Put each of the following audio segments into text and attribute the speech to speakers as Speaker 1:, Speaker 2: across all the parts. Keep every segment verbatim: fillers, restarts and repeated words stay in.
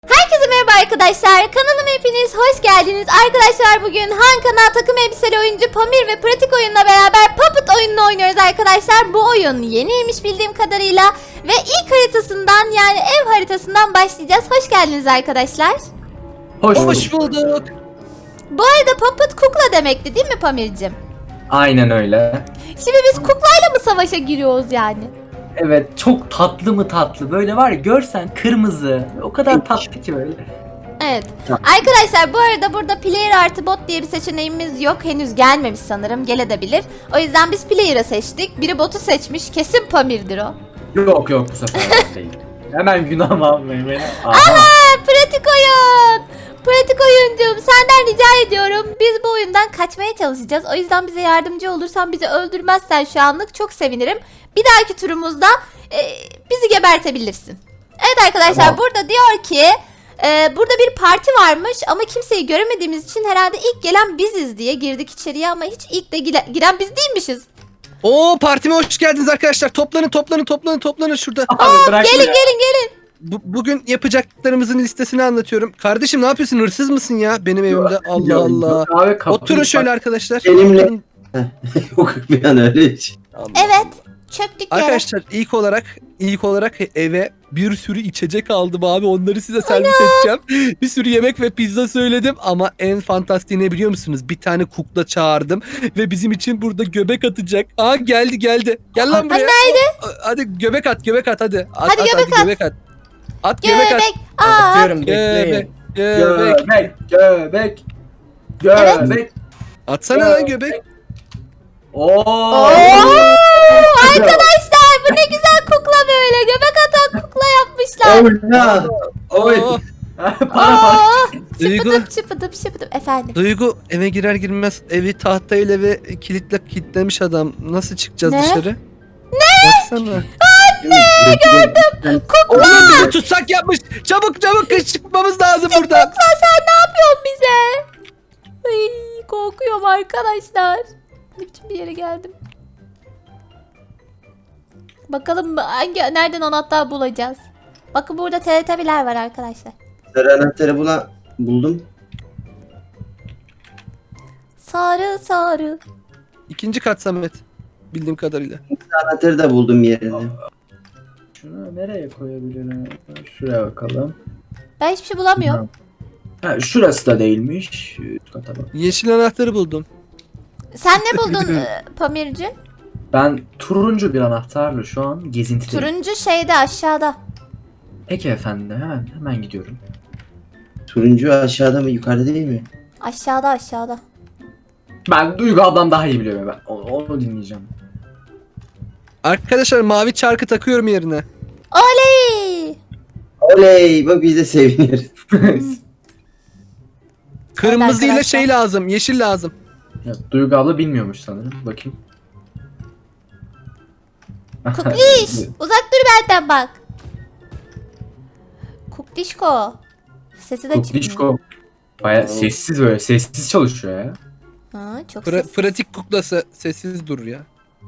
Speaker 1: Herkese merhaba arkadaşlar. Kanalıma hepiniz hoş geldiniz. Arkadaşlar bugün Han Kanal takım elbiseli oyuncu Pamir ve Pratik oyunla beraber Puppet oyununu oynuyoruz arkadaşlar. Bu oyun yeniymiş bildiğim kadarıyla ve ilk haritasından yani ev haritasından başlayacağız. Hoş geldiniz arkadaşlar.
Speaker 2: Hoş,
Speaker 3: Hoş bulduk.
Speaker 1: Bu arada Puppet kukla demekti değil mi Pamir'cim?
Speaker 2: Aynen öyle.
Speaker 1: Şimdi biz kuklayla mı savaşa giriyoruz yani?
Speaker 2: Evet, çok tatlı mı tatlı. Böyle var ya, görsen kırmızı. O kadar tatlı ki böyle.
Speaker 1: Evet. Arkadaşlar bu arada burada player artı bot diye bir seçeneğimiz yok. Henüz gelmemiş sanırım. Gelebilir. O yüzden biz player'ı seçtik. Biri botu seçmiş. Kesin Pamir'dir o.
Speaker 2: Yok yok, bu sefer bot değil. Hemen günahımı almayın beni. Aha.
Speaker 1: Aha, pratik oyun. Pratik oyuncum senden rica ediyorum. Biz bu oyundan kaçmaya çalışacağız. O yüzden bize yardımcı olursan, bizi öldürmezsen şu anlık çok sevinirim. Bir dahaki turumuzda e, bizi gebertebilirsin. Evet arkadaşlar,
Speaker 2: Tamam.
Speaker 1: burada diyor ki e, burada bir parti varmış ama kimseyi göremediğimiz için herhalde ilk gelen biziz diye girdik içeriye ama hiç ilk de gire- giren biz değilmişiz.
Speaker 3: Oo, partime hoş geldiniz arkadaşlar. Toplanın toplanın toplanın toplanın şurada.
Speaker 2: Abi bırak
Speaker 1: Gelin
Speaker 2: ya.
Speaker 1: gelin gelin.
Speaker 3: Bu, bugün yapacaklarımızın listesini anlatıyorum. Kardeşim ne yapıyorsun? Hırsız mısın ya benim evimde? Allah
Speaker 2: Yok,
Speaker 3: Allah.
Speaker 2: yok abi, kapıyı
Speaker 3: Oturun şöyle
Speaker 2: bak-
Speaker 3: arkadaşlar.
Speaker 4: Benimle-
Speaker 3: Oturun.
Speaker 4: Yok bir an öyle hiç.
Speaker 3: Allah.
Speaker 1: Evet, çöktük yere.
Speaker 3: Arkadaşlar ilk olarak ilk olarak eve bir sürü içecek aldım abi. Onları size servis edeceğim. Bir sürü yemek ve pizza söyledim ama en fantastiği ne biliyor musunuz? Bir tane kukla çağırdım ve bizim için burada göbek atacak. Aa, geldi geldi. Gel lan buraya.
Speaker 1: nerede?
Speaker 3: Hadi göbek at göbek at hadi. At,
Speaker 1: Hadi
Speaker 3: at,
Speaker 1: göbek
Speaker 3: hadi, göbek at. At göbek at.
Speaker 1: Göbek. Aa,
Speaker 4: Atıyorum
Speaker 3: Göbek.
Speaker 4: bekleyin.
Speaker 3: Göbek.
Speaker 2: Göbek, göbek. Göbek.
Speaker 3: Atsana lan göbek.
Speaker 2: Oo.
Speaker 1: Oo, arkadaşlar bu ne güzel kukla böyle. Göbek atan kukla yapmışlar.
Speaker 4: Oyna. Oy.
Speaker 3: Oo,
Speaker 2: para para.
Speaker 1: Oo,
Speaker 3: Duygu.
Speaker 1: şıpıdıp şıpıdıp şıpıdıp efendim.
Speaker 3: Duygu eve girer girmez evi tahtayla ve kilitle kilitlemiş adam. Nasıl çıkacağız
Speaker 1: Ne?
Speaker 3: dışarı? Ne? Baksana.
Speaker 4: Ne gördüm.
Speaker 3: Oğlum bizi tutsak yapmış. Çabuk çabuk kış çıkmamız lazım buradan.
Speaker 1: Kukla sen ne yapıyorsun bize? Ay, korkuyorum arkadaşlar. Ne biçim bir yere geldim. Bakalım hangi nereden anahtar bulacağız. Bakın burada teletabiler var arkadaşlar.
Speaker 4: Sarı anahtarı bula buldum.
Speaker 1: Sarı sarı.
Speaker 3: İkinci kat Samet. Bildiğim kadarıyla.
Speaker 4: Anahtarı da buldum yerine.
Speaker 2: Şunu nereye koyabilirim? Şuraya bakalım.
Speaker 1: Ben hiçbir şey bulamıyorum.
Speaker 2: Ha, şurası da değilmiş. Üst kata bak.
Speaker 3: Yeşil anahtarı buldum.
Speaker 1: Sen ne buldun e, Pamirci?
Speaker 2: Ben turuncu bir anahtarla şu an gezintideyim.
Speaker 1: Turuncu şeyde aşağıda.
Speaker 2: Peki efendim, hemen hemen gidiyorum.
Speaker 4: Turuncu aşağıda mı yukarıda değil mi?
Speaker 1: Aşağıda aşağıda.
Speaker 2: Ben Duygu ablam daha iyi biliyorum ben. Onu, onu dinleyeceğim.
Speaker 3: Arkadaşlar mavi çarkı takıyorum yerine.
Speaker 1: Oley!
Speaker 4: Oley bak biz de seviniyoruz.
Speaker 3: Kırmızı ile
Speaker 1: arkadaşlar.
Speaker 3: şey lazım. Yeşil lazım.
Speaker 2: Ya, Duygu abla bilmiyormuş sanırım. Bakayım.
Speaker 1: Kukliş! Uzak dur benden bak. Kuklişko. Sesi de çıkmıyor.
Speaker 2: Kuklişko. Baya sessiz böyle. Sessiz çalışıyor ya.
Speaker 1: Ha, çok
Speaker 3: Pra-
Speaker 1: sessiz.
Speaker 3: pratik kuklası sessiz dur ya.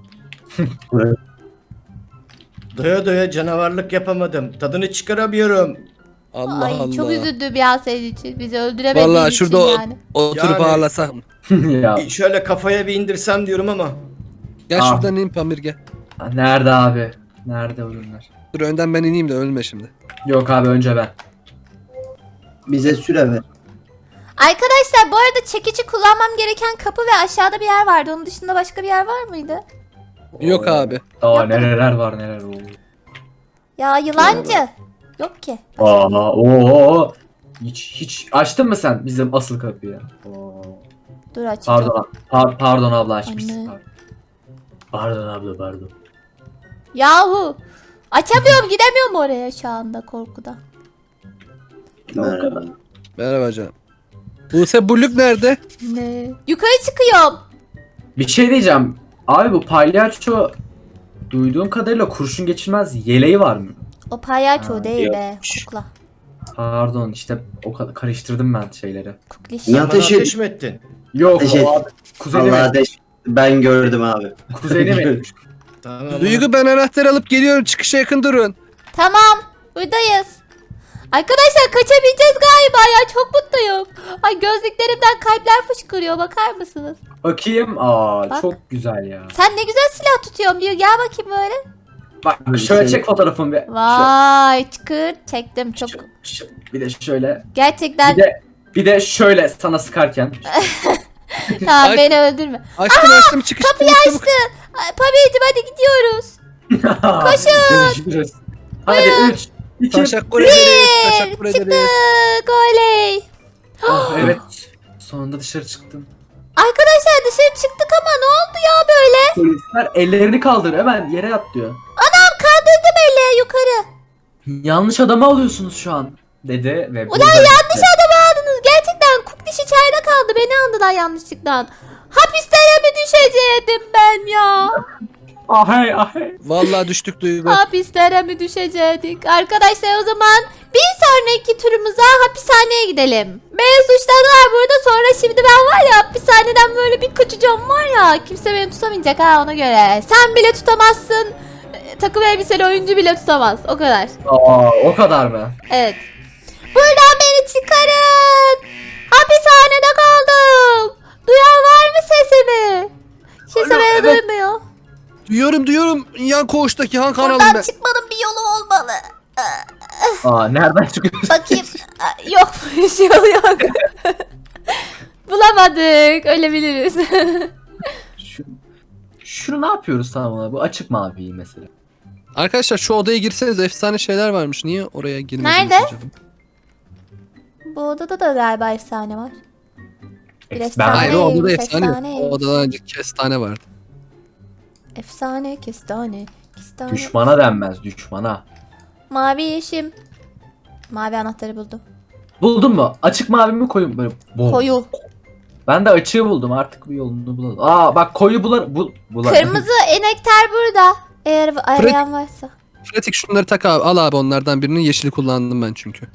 Speaker 5: Doya doya canavarlık yapamadım. Tadını çıkaramıyorum.
Speaker 3: Allah
Speaker 1: Ay,
Speaker 3: Allah.
Speaker 1: çok üzüldüm ya senin için. Bizi öldüremediğin
Speaker 3: Vallahi
Speaker 1: için
Speaker 3: şurada o-
Speaker 1: yani.
Speaker 3: Oturup
Speaker 5: Yani-
Speaker 3: ağlasam.
Speaker 2: ya
Speaker 5: E, Şöyle kafaya bir indirsem diyorum ama.
Speaker 3: Gel
Speaker 2: Ah.
Speaker 3: şuradan in Pamir gel.
Speaker 2: nerede abi? Nerede oyunlar?
Speaker 3: Dur önden ben ineyim de ölme şimdi.
Speaker 2: Yok abi, önce ben.
Speaker 4: Bize süre ver.
Speaker 1: Arkadaşlar bu arada çekici kullanmam gereken kapı ve aşağıda bir yer vardı. Onun dışında başka bir yer var mıydı?
Speaker 3: Yok abi.
Speaker 2: Daha
Speaker 1: Yapmadım.
Speaker 2: neler var neler oldu.
Speaker 1: Ya yılancı. Yok ki.
Speaker 2: Aa, oo. Hiç hiç açtın mı sen bizim asıl kapıyı? Oo.
Speaker 1: Dur açacağım.
Speaker 2: Pardon, par- pardon abla açmışsın.
Speaker 1: Anne.
Speaker 2: Pardon. Pardon abla, pardon.
Speaker 1: Yahu. Açamıyorum, gidemiyorum oraya şu anda korkudan.
Speaker 4: Merhaba.
Speaker 3: Merhaba canım. Buse Bulluk nerede?
Speaker 1: Ne? Yukarı çıkıyorum.
Speaker 2: Bir şey diyeceğim. Abi bu palyaço duyduğum kadarıyla kurşun geçirmez yeleği var mı?
Speaker 1: O palyaço
Speaker 2: Ha,
Speaker 1: değil be.
Speaker 4: yokmuş.
Speaker 1: Kukla.
Speaker 2: Pardon, işte o kadar karıştırdım ben şeyleri.
Speaker 1: Kukliş.
Speaker 4: Ya-
Speaker 5: Bana
Speaker 4: Ateş et-
Speaker 5: ateş mi ettin?
Speaker 2: Yok
Speaker 4: Teşekkür-
Speaker 2: o abi. Kuzeni
Speaker 4: Allah
Speaker 2: mi?
Speaker 4: ateş. Ben gördüm abi.
Speaker 2: Kuzeni mi?
Speaker 5: Tamam.
Speaker 3: Duygu ben anahtar alıp geliyorum. Çıkışa yakın durun.
Speaker 1: Tamam. Buradayız. Arkadaşlar kaçabileceğiz galiba ya, çok mutluyum. Ay gözlüklerimden kalpler fışkırıyor, bakar mısınız?
Speaker 2: Bakayım. Aa
Speaker 1: Bak.
Speaker 2: çok güzel ya.
Speaker 1: Sen ne güzel silah tutuyorsun diyor, gel bakayım böyle.
Speaker 2: Bak şöyle çek fotoğrafımı bir.
Speaker 1: Vay çıkır çektim çok.
Speaker 2: Şu- şu- bir de şöyle.
Speaker 1: Gerçekten
Speaker 2: Bir de bir de şöyle sana sıkarken.
Speaker 1: tamam
Speaker 3: Ay-
Speaker 1: beni öldürme.
Speaker 3: Açtım açtım çıkış.
Speaker 1: Kapıyı
Speaker 3: çabuk, çabuk.
Speaker 1: açtı. Ay, Pamir'cim hadi gidiyoruz.
Speaker 2: Koşun. Görüşürüz. Hadi üç, iki,
Speaker 3: Teşekkür ederiz. Teşekkür ederiz.
Speaker 1: Çıktık oley.
Speaker 2: Oh, evet. Sonunda dışarı çıktım.
Speaker 1: Arkadaşlar dışarı çıktık ama ne oldu ya böyle?
Speaker 2: Polisler ellerini kaldır hemen yere yat diyor.
Speaker 1: Anam kaldırdım eli yukarı.
Speaker 2: Yanlış adamı alıyorsunuz şu an dedi ve
Speaker 1: Ulan yanlış adamı aldınız. Gerçekten Cook diş içeride kaldı. Beni aldılar yanlışlıkla. Hapislere mi düşecektim ben ya?
Speaker 2: Ahay ahay.
Speaker 3: Vallahi düştük Duygu.
Speaker 1: Hapislere mi düşecektik? Arkadaşlar o zaman bir sonraki turumuza hapishaneye gidelim. Beni suçladılar burada, sonra şimdi ben var ya hapishaneden böyle bir kaçacağım var ya. Kimse beni tutamayacak ha, ona göre. Sen bile tutamazsın. e, Takım elbiseli oyuncu bile tutamaz. O kadar.
Speaker 2: Aa o kadar mı?
Speaker 1: Evet. Buradan beni çıkarın. Hapishanede kaldım. Duyan var mı sesimi? Kimse
Speaker 3: Alo,
Speaker 1: beni
Speaker 3: evet.
Speaker 1: duymuyor.
Speaker 3: Duyuyorum duyuyorum. Yan koğuştaki Han kanalım
Speaker 1: Buradan
Speaker 3: ben.
Speaker 1: çıkmanın bir yolu olmalı.
Speaker 2: Aa nereden çıkıyorsun?
Speaker 1: Bakayım. Aa, yok bir şey yok. Bulamadık. Ölebiliriz.
Speaker 2: Şu, şunu ne yapıyoruz tamam mı? Bu açık mavi mesela.
Speaker 3: Arkadaşlar şu odaya girseniz efsane şeyler varmış. Niye oraya girmediniz
Speaker 1: Nerede?
Speaker 3: acaba?
Speaker 1: Bu odada da galiba efsane var. Bir
Speaker 2: Ben
Speaker 1: efsane.
Speaker 3: Hayır o odada
Speaker 1: Neymiş,
Speaker 3: efsane yok.
Speaker 1: efsane.
Speaker 3: O odada önce kestane vardı.
Speaker 1: Efsane, kestane, kestane.
Speaker 2: düşmana denmez düşmana.
Speaker 1: Mavi yeşim. Mavi anahtarı buldum.
Speaker 2: Buldun mu? Açık mavi mi koyu mu? Böyle bol.
Speaker 1: Koyu.
Speaker 2: Ben de açığı buldum artık bir yolunu bulalım. Aa bak koyu bular bul bular.
Speaker 1: Kırmızı enekter burada. Eğer arayan varsa.
Speaker 3: Pratik şunları tak abi. Al abi onlardan birini. Yeşili kullandım ben çünkü.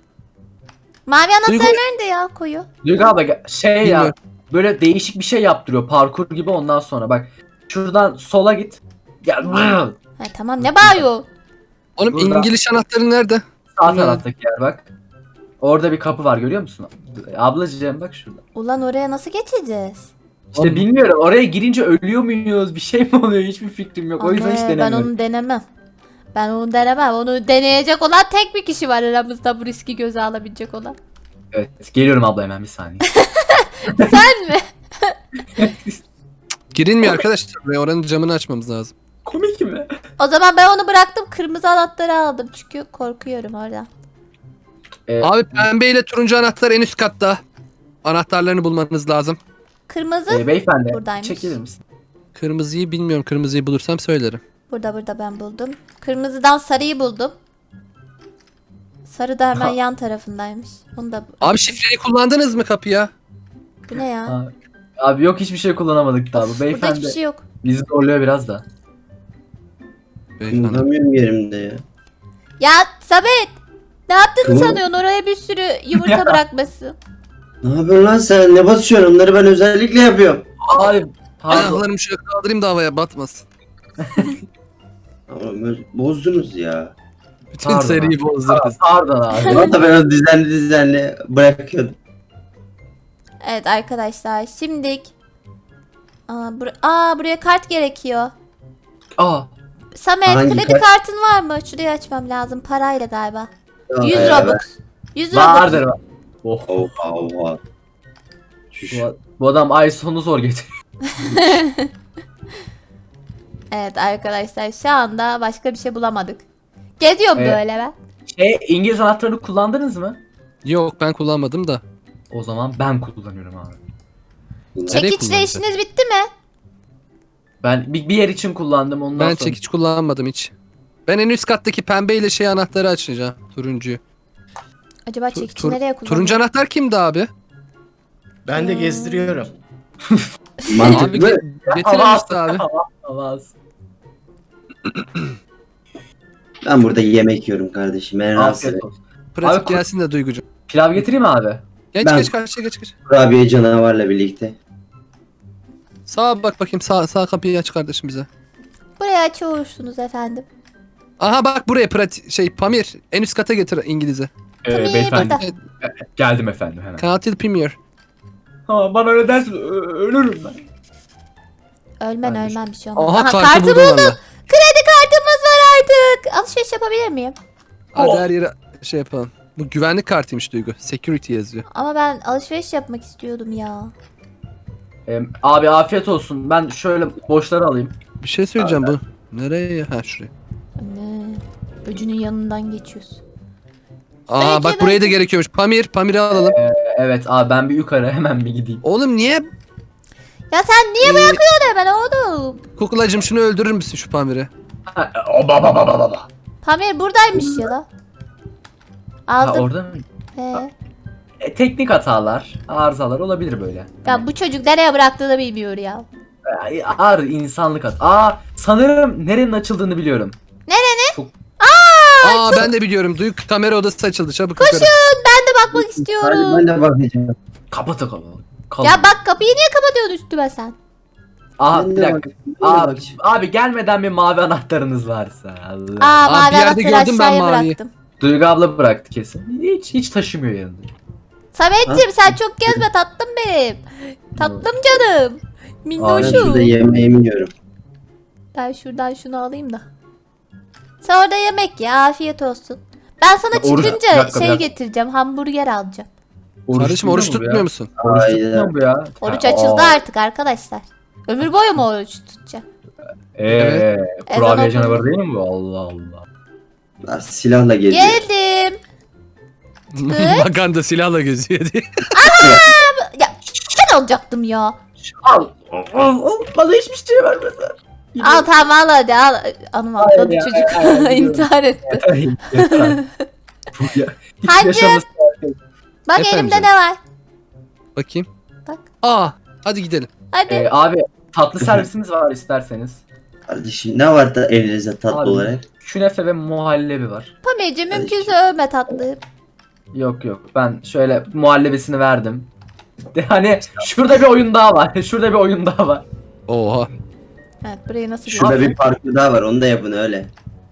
Speaker 1: Mavi anahtar
Speaker 3: Duygu-
Speaker 1: nerede ya koyu?
Speaker 2: Duygu abla gel- şey ya
Speaker 3: Bilmiyorum.
Speaker 2: böyle değişik bir şey yaptırıyor parkur gibi ondan sonra bak. Şuradan sola git. Gel.
Speaker 1: Ha, tamam ne bağırıyor?
Speaker 3: Oğlum
Speaker 2: Burada.
Speaker 3: İngiliz anahtarı nerede?
Speaker 2: Sağ
Speaker 3: Bilmiyorum.
Speaker 2: taraftaki yer bak. Orada bir kapı var görüyor musun? Ablacığım bak şurada.
Speaker 1: Ulan oraya nasıl geçeceğiz?
Speaker 2: İşte
Speaker 3: Oğlum.
Speaker 2: bilmiyorum oraya girince ölüyor muyuz? Bir şey mi oluyor? Hiçbir fikrim yok. O yüzden hiç
Speaker 1: Anne, ben
Speaker 2: denemiyorum.
Speaker 1: onu denemem. Ben onu denemem. Onu deneyecek olan tek bir kişi var aramızda, bu riski göze alabilecek olan.
Speaker 2: Evet geliyorum abla hemen bir saniye.
Speaker 1: Sen mi?
Speaker 3: Girilmiyor arkadaşlar. Buraya oranın camını açmamız lazım.
Speaker 2: Komik mi?
Speaker 1: O zaman ben onu bıraktım. Kırmızı anahtarı aldım. Çünkü korkuyorum orada.
Speaker 2: Ee,
Speaker 3: Abi pembe ile turuncu anahtar en üst katta. Anahtarlarını bulmanız lazım.
Speaker 1: Kırmızı
Speaker 2: e, beyefendi
Speaker 1: Buradaymış.
Speaker 2: çekilir misin?
Speaker 3: Kırmızıyı bilmiyorum. Kırmızıyı bulursam söylerim.
Speaker 1: burada burada ben buldum. Kırmızıdan sarıyı buldum. Sarı da hemen
Speaker 2: Ha.
Speaker 1: yan tarafındaymış. Onu da
Speaker 3: Abi şifreyi kullandınız mı kapıya?
Speaker 1: bu ne ya?
Speaker 2: Abi, abi yok hiçbir şey kullanamadık daha. Bu
Speaker 1: Of, burada
Speaker 2: beyefendi
Speaker 1: hiçbir şey yok.
Speaker 2: bizi zorluyor biraz da.
Speaker 3: Beyefendi.
Speaker 4: Kımıldamıyorum yerimde ya.
Speaker 1: Ya Samet! Ne yaptığını
Speaker 4: Kıvır-
Speaker 1: sanıyorsun? Oraya bir sürü yumurta bırakması.
Speaker 4: Ne yapıyorsun lan sen? Ne basıyorsun? Onları ben özellikle yapıyorum.
Speaker 2: Abi pardon.
Speaker 3: Ayaklarımı şöyle kaldırayım da havaya batmasın.
Speaker 4: Ama böyle bozdunuz ya.
Speaker 3: Bütün
Speaker 2: Pardon
Speaker 3: seriyi
Speaker 2: abi.
Speaker 3: bozdunuz.
Speaker 2: Pardon abi.
Speaker 4: Valla ben onu düzenli düzenli bırakıyordum.
Speaker 1: Evet arkadaşlar şimdilik Aa, bur- Aa buraya kart gerekiyor.
Speaker 2: Aa
Speaker 1: Samet
Speaker 4: Hangi
Speaker 1: kredi
Speaker 4: kart?
Speaker 1: kartın var mı? Şurayı açmam lazım parayla galiba. yüz
Speaker 4: Ee,
Speaker 1: Robux. yüz Robux.
Speaker 2: vardır. Oh.
Speaker 4: Oha oha. Şuş.
Speaker 2: Bu, bu adam ay sonu zor getiriyor.
Speaker 1: Evet arkadaşlar şu anda başka bir şey bulamadık. Geziyorum
Speaker 2: Evet.
Speaker 1: böyle ben.
Speaker 2: Şey İngiliz anahtarını kullandınız mı?
Speaker 3: Yok ben kullanmadım da.
Speaker 2: O zaman ben kullanıyorum abi.
Speaker 3: Nereye
Speaker 1: Çekiçle
Speaker 3: kullanacak?
Speaker 1: işiniz bitti mi?
Speaker 2: Ben bir, bir yer için kullandım ondan
Speaker 3: Ben
Speaker 2: sonra.
Speaker 3: çekiç kullanmadım hiç. Ben en üst kattaki pembe ile şey anahtarı açacağım. Turuncuyu.
Speaker 1: Acaba
Speaker 3: Tu-
Speaker 1: çekiçi
Speaker 3: tur-
Speaker 1: nereye kullanıyor?
Speaker 3: turuncu anahtar kimdi abi?
Speaker 5: Ben de gezdiriyorum.
Speaker 3: Abi
Speaker 4: Mantıklı.
Speaker 3: ge- getirir misin abi?
Speaker 2: Hava, hava.
Speaker 4: Ben burada yemek yiyorum kardeşim. Ben rahatsız
Speaker 2: Afiyet
Speaker 4: ederim.
Speaker 2: olsun.
Speaker 3: Pratik
Speaker 2: Abi,
Speaker 3: gelsin de Duygucuğum.
Speaker 2: Pilav getireyim mi abi?
Speaker 3: Geç
Speaker 4: Ben-
Speaker 3: geç karşıya geç geç.
Speaker 4: Kurabiye canavarla birlikte.
Speaker 3: Sağa bak bakayım sağ, sağ kapıyı aç kardeşim bize.
Speaker 1: Buraya açıyorsunuz efendim.
Speaker 3: Aha bak buraya pratik şey Pamir en üst kata getir İngiliz'e.
Speaker 2: Ee,
Speaker 1: Pamir
Speaker 2: beyefendi.
Speaker 1: burada.
Speaker 2: Geldim efendim hemen.
Speaker 3: Katil Premier.
Speaker 2: Ha, bana öyle dersin ö- ölürüm ben.
Speaker 1: Ölmen
Speaker 2: Ben-
Speaker 1: ölmen bir şey olmaz.
Speaker 3: Aha,
Speaker 1: Aha,
Speaker 3: kartı
Speaker 1: kartı
Speaker 3: buldum
Speaker 1: buldum.
Speaker 3: valla.
Speaker 1: Kredi kartımız var artık. Alışveriş yapabilir miyim?
Speaker 3: Hadi
Speaker 2: Oh.
Speaker 3: her yere şey yapalım. Bu güvenlik kartıymış Duygu. Security yazıyor.
Speaker 1: Ama ben alışveriş yapmak istiyordum ya.
Speaker 2: Ee, abi afiyet olsun. Ben şöyle boşları alayım.
Speaker 3: Bir şey söyleyeceğim bu. Nereye ya? Ha şuraya.
Speaker 1: Anne. Böcünün yanından geçiyoruz.
Speaker 3: Aa
Speaker 1: Belki
Speaker 3: bak
Speaker 1: ben-
Speaker 3: buraya da gerekiyormuş. Pamir, Pamir'i alalım.
Speaker 2: Evet abi ben bir yukarı hemen bir gideyim.
Speaker 3: Oğlum niye?
Speaker 1: Ya sen niye
Speaker 3: Ee,
Speaker 1: bırakıyorsun hemen oğlum?
Speaker 3: Kukulacım şunu öldürür müsün şu Pamir'i?
Speaker 2: Ha, oba baba baba baba.
Speaker 1: Pamir buradaymış ya da.
Speaker 2: Ha,
Speaker 1: Aldım.
Speaker 2: orada mı?
Speaker 1: He.
Speaker 2: E, teknik hatalar, arızalar olabilir böyle.
Speaker 1: Ya bu çocuk nereye bıraktığını bilmiyor ya.
Speaker 2: E, Ağır insanlık hat. Aa sanırım nerenin açıldığını biliyorum.
Speaker 3: Aa ben de biliyorum. Duygu kamera odası açıldı. Çabuk yukarı.
Speaker 1: Ben de bakmak
Speaker 4: Hadi
Speaker 1: istiyorum.
Speaker 4: ben de bakacağım.
Speaker 2: Kapatı kapalı. Kalın.
Speaker 1: Ya bak kapıyı niye kapatıyorsun üstüme sen?
Speaker 2: Aa
Speaker 4: Ben
Speaker 2: bir
Speaker 4: de
Speaker 2: dakika.
Speaker 4: bakacağım, ben de
Speaker 2: Abi,
Speaker 4: bakacağım.
Speaker 2: abi gelmeden bir mavi anahtarınız varsa. Allah.
Speaker 1: Aa
Speaker 3: Aa,
Speaker 1: mavi
Speaker 3: bir yerde
Speaker 1: anahtarı
Speaker 3: gördüm ben
Speaker 1: aşağıya
Speaker 3: maviyi.
Speaker 1: bıraktım.
Speaker 2: Duygu abla bıraktı kesin. Hiç hiç taşımıyor yanında.
Speaker 1: Sametciğim sen çok gezme tatlım benim. Tatlım canım.
Speaker 4: Ben
Speaker 1: Minnoşum.
Speaker 4: şurada yemeğimi yiyorum.
Speaker 1: Ben şuradan şunu alayım da. Sen orada yemek ya afiyet olsun. Ben sana
Speaker 2: Ya oruç-
Speaker 1: çıkınca
Speaker 2: bir dakika, bir
Speaker 1: şey
Speaker 2: dakika.
Speaker 1: getireceğim hamburger alacağım.
Speaker 3: Kardeşim oruç
Speaker 2: tutuyor mu bu
Speaker 3: tutmuyor
Speaker 2: ya?
Speaker 3: musun?
Speaker 2: Oruç
Speaker 4: Hayda.
Speaker 2: tutmuyor mu bu ya?
Speaker 1: Oruç
Speaker 2: Ha,
Speaker 1: açıldı
Speaker 2: aa.
Speaker 1: artık arkadaşlar. Ömür boyu mu oruç tutacağım?
Speaker 2: Eee
Speaker 3: Evet.
Speaker 2: kurabiye
Speaker 1: Ezan
Speaker 2: canavarı
Speaker 1: okundu.
Speaker 2: değil mi bu? Allah Allah.
Speaker 4: Lan silahla geziyor.
Speaker 1: Geldim.
Speaker 3: Maganda silahla geziyor diye.
Speaker 1: Ya ben alacaktım ya.
Speaker 2: Al. Al. Al. Bana hiçbir şey vermediler.
Speaker 1: Al tamam al hadi al. Anım
Speaker 2: Hayır
Speaker 1: atladı
Speaker 2: ya,
Speaker 1: çocuk.
Speaker 2: hayır, hayır,
Speaker 1: İntihar etti.
Speaker 2: Yeter, yeter. Bu ya. Hiç
Speaker 1: Hacı.
Speaker 2: yaşaması.
Speaker 1: Bak
Speaker 3: Efendim
Speaker 1: elimde
Speaker 3: canım.
Speaker 1: ne var?
Speaker 3: Bakayım.
Speaker 1: Bak.
Speaker 3: Aa hadi gidelim.
Speaker 1: Hadi.
Speaker 2: Ee, abi tatlı servisimiz var isterseniz.
Speaker 4: Kardeşim ne var da elinizde tatlı
Speaker 2: Abi,
Speaker 4: olarak?
Speaker 2: Künefe ve muhallebi var.
Speaker 1: Pamir'cim
Speaker 4: Hadi.
Speaker 1: mümkünse övme tatlım.
Speaker 2: Yok yok ben şöyle muhallebisini verdim. De, hani şurada bir oyun daha var. Şurada bir oyun daha var.
Speaker 3: Oha.
Speaker 1: Evet burayı nasıl
Speaker 4: Şurada
Speaker 1: görüyorsun?
Speaker 4: bir parkur daha var onu da yapın öyle.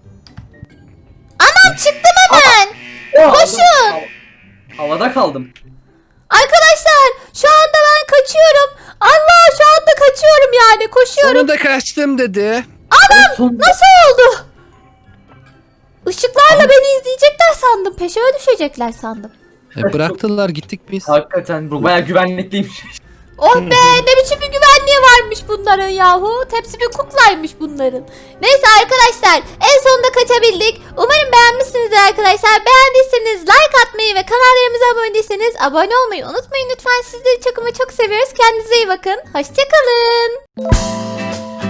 Speaker 1: Çıktım hemen.
Speaker 2: Koşun. Havada kaldım.
Speaker 1: Arkadaşlar şu anda ben kaçıyorum. Allah şu anda kaçıyorum yani koşuyorum.
Speaker 3: Sonunda kaçtım dedi.
Speaker 2: Son...
Speaker 1: Nasıl oldu? Işıklarla beni izleyecekler sandım. Peşime düşecekler sandım.
Speaker 3: E, bıraktılar gittik biz.
Speaker 2: Hakikaten bu bayağı güvenlikliymiş.
Speaker 1: Oh be ne biçim bir güvenliği varmış bunların yahu. Hepsi bir kuklaymış bunların. Neyse arkadaşlar en sonunda kaçabildik. Umarım beğenmişsinizdir arkadaşlar. Beğendiyseniz like atmayı ve kanallarımıza abone değilseniz abone olmayı unutmayın lütfen. Sizleri çok ama çok seviyoruz. Kendinize iyi bakın. Hoşçakalın.